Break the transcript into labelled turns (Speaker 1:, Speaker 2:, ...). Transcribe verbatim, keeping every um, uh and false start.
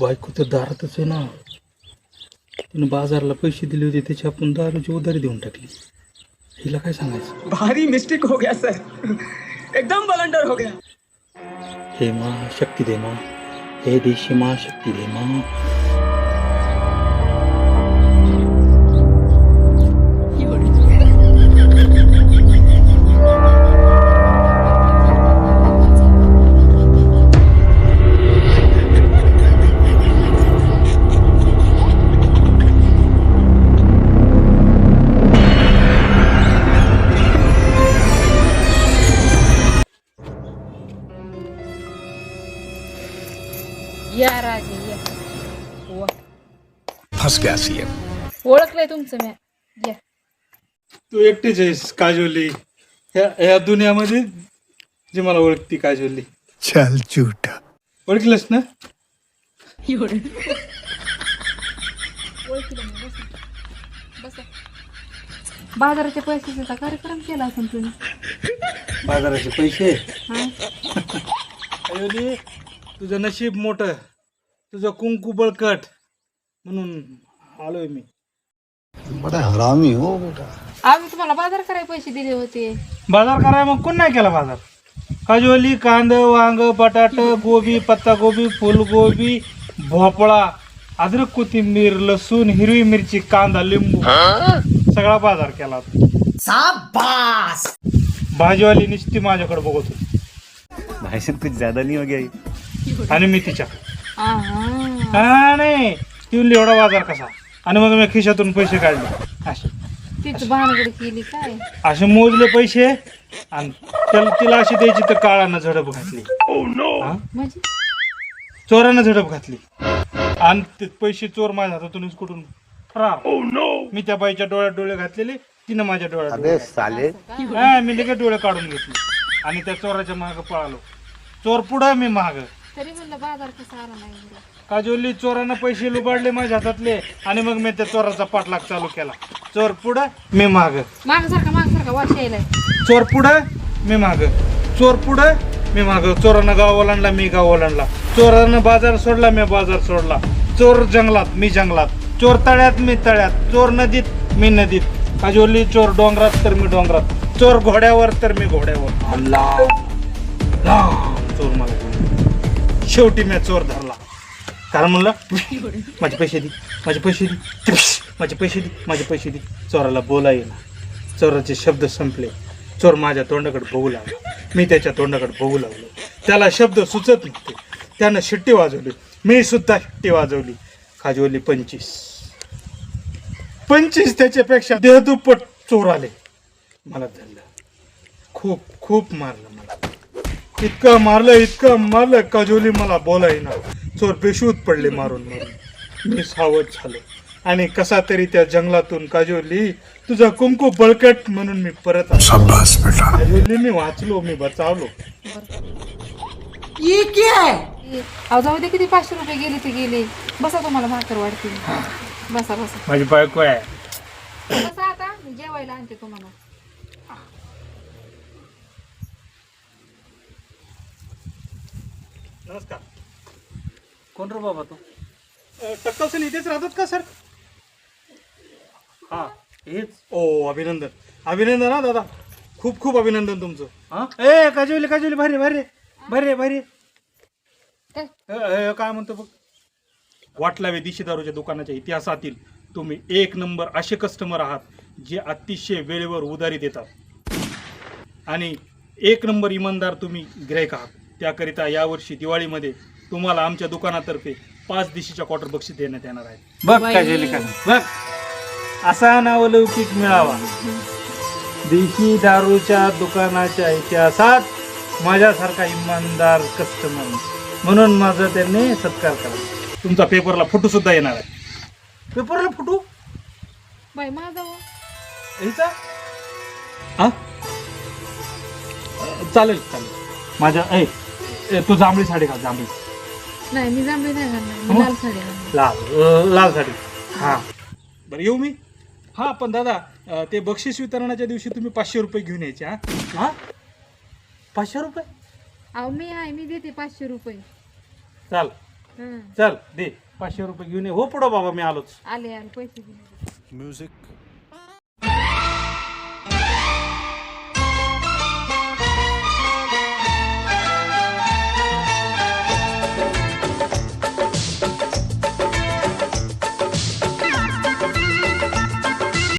Speaker 1: बायको तर दारातच आहे ना. तिने बाजारला पैसे दिले होते त्याची आपण दारूची उधारी देऊन टाकली. हिला काय सांगायचं?
Speaker 2: भारी मिस्टेक हो गया सर, एकदम बलंडर हो गया.
Speaker 1: हे मा शक्ती दे मा, हे देशी मा शक्ती दे मा.
Speaker 3: या राजे या. वा.
Speaker 4: फंस गया सीएम.
Speaker 3: ओळखलंय तुमचं मी. या.
Speaker 1: तू एकटीच आहेस काजोली ह्या ह्या दुनियामध्ये जी मला ओळखती काजोली.
Speaker 4: चल झूठा.
Speaker 1: ओळखलंस ना?
Speaker 3: ओळखलं मी. बसा. बसा. बाजाराच्या पैशाचा कार्यक्रम केला असेल तुम्ही.
Speaker 1: बाजाराचे पैसे.
Speaker 3: हा.
Speaker 1: काजोली तुझं नशीब मोठं, तुझं कुंकू बळकट म्हणून आलोय मी.
Speaker 4: बड़ा हरामी हो बेटा.
Speaker 3: आम्ही तुम्हाला बाजार करायला पैसे दिले होते.
Speaker 1: बाजार कराय मग कोण नाही केला बाजार? काजोली कांद वांग बटाट गोबी पत्तागोबी फुलगोबी भोपळा अद्रक कोथिंबीर लसूण हिरवी मिरची कांदा लिंबू सगळा बाजार केला. शाबास. भाजीवाली नुसती माझ्याकडे बघत होती.
Speaker 5: भाई साहब कुछ ज्यादा नहीं हो गया ये?
Speaker 1: आणि मी तिच्या
Speaker 3: आहा.
Speaker 1: हा नाही ती एवढा बाजार कसा. आणि मग मी खिशातून पैसे काढले असे
Speaker 3: तीच भानगड केली काय.
Speaker 1: असे मोजले पैसे आणि त्याला तिला अशी द्यायची तर काळानं झडप घातली. हा?
Speaker 3: म्हणजे
Speaker 1: चोरानं झडप घातली आणि ते पैसे चोर माझ्या हातातूनच कुठून फरार. मी त्या बाईच्या डोळ्यात डोळे घातलेले, तिनं माझ्या डोळ्यात डोळे
Speaker 5: साले.
Speaker 1: घातले. हा, मी लगेच डोळे काढून घेतले आणि त्या चोराच्या माग पळालो. चोर पुढं मी माग.
Speaker 3: तरी म्हणलं बाजार कसा आला नाही घरी.
Speaker 1: काजोली चोरानं पैसे लुबाडले माझ्या हातातले आणि मग मी त्या चोराचा पाठलाग चालू केला. चोर पुढं मी माग.
Speaker 3: माग सारखा माग सारखा वाश यायलाय.
Speaker 1: चोर पुढं मी माग. चोर पुढं मी माग. चोरानं गाव ओलांडला मी गाव ओलांडला. चोरानं बाजार सोडला मी बाजार सोडला. चोर जंगलात मी जंगलात. चोर तळ्यात मी तळ्यात. चोर नदीत मी नदीत. काजोली चोर डोंगरात तर मी डोंगरात. चोर घोड्यावर तर मी घोड्यावर. चोर मला शेवटी मी चोर धरला. कारण म्हणलं माझे पैसे दे माझे पैसे दे माझे पैसे दे माझे पैसे दे. चोराला बोला येईना. चोराचे शब्द संपले. चोर माझ्या तोंडाकडे बघू लागला. मी त्याच्या तोंडाकडे बघू लागलो. त्याला शब्द सुचत नव्हते. त्यानं शिट्टी वाजवली. मी सुद्धा शिट्टी वाजवली. काजोली पंचवीस पंचवीस त्याच्यापेक्षा देहदुप्पट चोर आले. मला धरलं. खूप खूप मारलं मला. इतकं मारलं इतकं मारलं काजोली मला बोलायना. चोर बेशूत पडले मारून मारून. मी सावध झालो आणि कसा तरी त्या जंगलातून काजोली तुझा कुंकू बळकट म्हणून मी परत आलो. काजोली मी वाचलो, मी बचावलो.
Speaker 3: अहो जाऊ दे किती पाचशे रुपये गेले ते गेले. बसा तुम्हाला भाकर वाढतील. बसा बसा
Speaker 1: माझी बायको आहे.
Speaker 3: बसा आता मी जेवायला आणते तुम्हाला.
Speaker 1: नमस्कार.
Speaker 5: कौन रो बाबा तू?
Speaker 1: टक्कल सर इथेच राहतात का सर?
Speaker 5: हा हेच.
Speaker 1: ओ अभिनंदन अभिनंदन हा दादा. खूप खूप अभिनंदन तुमचं.
Speaker 5: हा
Speaker 1: ए काजोली काजोली भारी भारी भारी भारी.
Speaker 3: काय?
Speaker 1: ए, ए, काय म्हणतो बघ. वाटलावे देशी दारूच्या दुकानाच्या इतिहासातील तुम्ही एक नंबर असे कस्टमर आहात जे अतिशय वेळेवर उधारी देतात आणि एक नंबर इमानदार तुम्ही गिरायक आहात. त्याकरिता यावर्षी दिवाळीमध्ये तुम्हाला आमच्या दुकानातर्फे पाच दिशीच्या क्वार्टर बक्षीस देण्यात येणार आहे. बघ काजोली काय बघ. असा नावलौकिक मिळावा देशी दारूच्या दुकानाच्या इतिहासात माझ्यासारखा इमानदार कस्टमर म्हणून माझा त्यांनी सत्कार करा. तुमचा पेपरला फोटो सुद्धा येणार आहे. पेपरला फोटो
Speaker 3: बाई माझा हो.
Speaker 1: ह्याचा हा चालेल चालेल. माझ्या ए ए, तू जांभळी साडी घाल. जांभळी
Speaker 3: नाही मी जांभळी नाही घालणार. मी लाल साडी घालणार.
Speaker 1: लाल अ, लाल साडी. हां बरं येऊ मी. हां पण दादा अ, ते बक्षीस वितरणाच्या दिवशी तुम्ही पाचशे रुपये घेऊन यायचे. हां हां पाचशे रुपये.
Speaker 3: अहो मी आहे मी देते पाचशे रुपये.
Speaker 1: चाल
Speaker 3: हं.
Speaker 1: चल दे पाचशे रुपये घेऊन ये हो पुढं बाबा मी आलोच
Speaker 3: आले आले पैसे दे.
Speaker 4: म्यूजिक